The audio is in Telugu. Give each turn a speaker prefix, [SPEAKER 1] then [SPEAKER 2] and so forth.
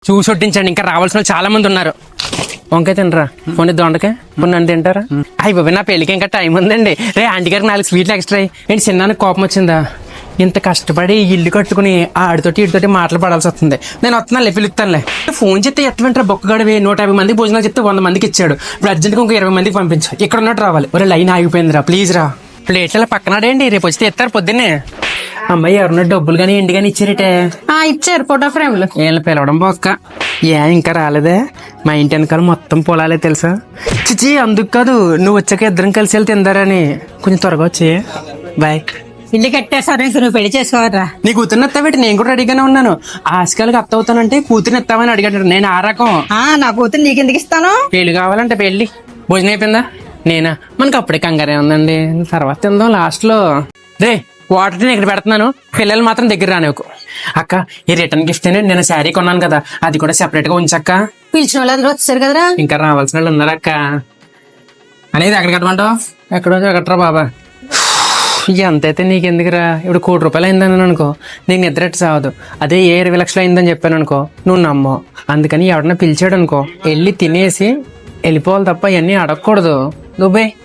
[SPEAKER 1] చూసి వడ్డించండి, ఇంకా రావాల్సిన వాళ్ళు చాలా మంది ఉన్నారు. వంకాయ తినరా, పోనీ దొండకాయ పోనీ నన్ను తింటారా? అయ్యి బాబు, నా పెళ్ళికి ఇంకా టైం ఉందండి. రే ఆంటీ గారికి 4 స్వీట్లు ఎక్స్ట్రా. ఏంటి చిన్నానికి కోపం వచ్చిందా? ఇంత కష్టపడి ఇల్లు కట్టుకుని ఆడితోటి ఇటుతోటి మాటలు పడాల్సి వస్తుంది. నేను వస్తున్నానులే, పిలుస్తానులే. ఫోన్ చెప్తే ఎత్తమంటారా బొక్కగడవి? 150 మందికి భోజనాలు చెప్తే 100 మందికి ఇచ్చాడు. ఇప్పుడు అర్జెంట్గా ఇంకో 20 మందికి పంపించు. ఇక్కడ ఉన్నట్టు రావాలి. ఒరే లైన్ ఆగిపోయిందిరా, ప్లీజ్ రా. ప్లేట్ల పక్కనాడేంటి, రేపు వస్తే ఎత్తారు పొద్దున్నే. అమ్మాయి ఎవరన్నా డబ్బులు కానీ ఎండి కానీ ఇచ్చారటే?
[SPEAKER 2] ఇచ్చారు ఫోటో ఫ్రేమ్లు.
[SPEAKER 1] వీళ్ళ పిలవడం బొక్క. ఇంకా రాలేదే? మా ఇంటి వెనకాల మొత్తం పొలాలే తెలుసా? చిచి అందుకు కాదు, నువ్వు వచ్చాక ఇద్దరం కలిసి వెళ్తే తిందారని. కొంచెం త్వరగా వచ్చి బాయ్.
[SPEAKER 2] ఇల్లు కట్టేసారు, నువ్వు పెళ్లి చేసుకోవరా?
[SPEAKER 1] నీ కూతుర్ని ఎత్తావేటి? నేను కూడా రెడీగానే ఉన్నాను. ఆశకాలకి అత్త అవుతానంటే కూతుర్ని ఎత్తావని అడిగాడు. నేను ఆ రకం.
[SPEAKER 2] నా కూతురు నీకు ఎందుకు ఇస్తాను?
[SPEAKER 1] పెళ్లి కావాలంటే పెళ్లి. భోజనం అయిపోయిందా? నేనా? మనకు అప్పుడే కంగారే ఉందండి, తర్వాత తిందాం లాస్ట్ లో. రే వాటర్ నేను ఇక్కడ పెడుతున్నాను, పిల్లలు మాత్రం దగ్గర రానివ్వకు. అక్క, ఈ రిటర్న్ గిఫ్ట్ అని నేను శారీ కొన్నాను కదా, అది కూడా సెపరేట్ గా ఉంచక్క.
[SPEAKER 2] పిలిచిన వాళ్ళందరూ వచ్చారు కదరా.
[SPEAKER 1] ఇంకా రావాల్సిన వాళ్ళు ఉన్నారక్క. అనేది ఎక్కడ కట్టమంటావు? ఎక్కడో ఎక్కడరా బాబా. ఎంతైతే నీకెందుకురా? ఇప్పుడు 1 కోటి రూపాయలు అయిందని అనుకో, నీకు నిద్రెట్టు సావదు. అదే 20 లక్షలు అయిందని చెప్పాను అనుకో, నువ్వు నమ్మో. అందుకని ఎవడన్నా పిలిచాడు అనుకో, వెళ్ళి తినేసి వెళ్ళిపోవాలి తప్ప ఇవన్నీ అడగకూడదు. దుబాయ్